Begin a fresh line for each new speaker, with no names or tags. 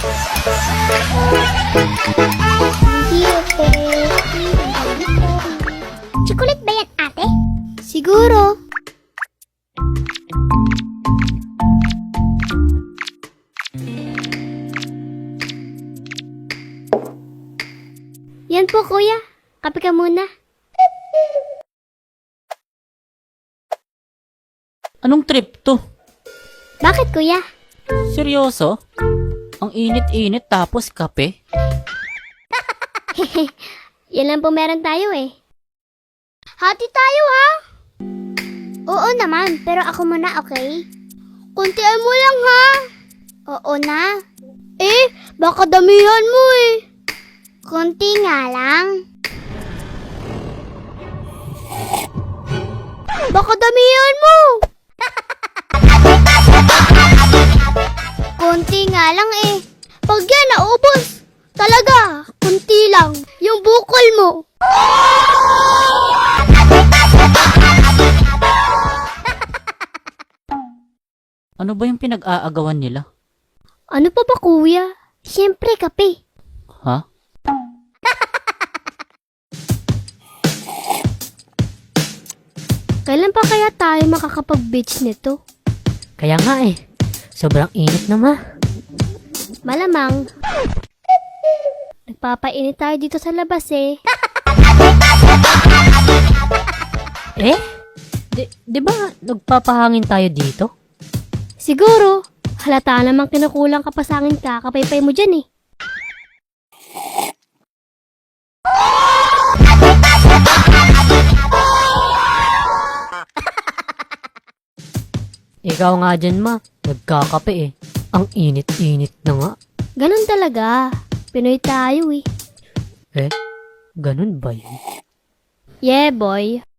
Hindi, okay.
Chocolate ba yan, ate?
Siguro. Yan po, kuya. Kape ka muna.
Anong trip to?
Bakit, kuya?
Seryoso? Ang init-init tapos kape?
Yan lang po meron tayo eh. Hati tayo, ha? Oo naman, pero ako muna, okay? Kuntian mo lang, ha? Oo na. Baka damihan mo eh. Kunti nga lang. Baka damihan mo. Kunti nga lang eh. Pag yan naubos, talaga, kunti lang. Yung bukol mo.
Ano ba yung pinag-aagawan nila?
Ano pa ba, kuya? Siyempre, kape.
Ha?
Kailan pa kaya tayo makakapag-beach nito?
Kaya nga eh. Sobrang init na ma.
Malamang. Nagpapainit tayo dito sa labas eh.
Eh? Di ba nagpapahangin tayo dito?
Siguro, halata namang kinukulang ka pa sa akin kakapaypay mo dyan eh.
Ikaw nga dyan ma. Nagkakape eh. Ang init-init na nga.
Ganun talaga. Pinoy tayo eh.
Eh? Ganun ba yun?
Yeah, boy.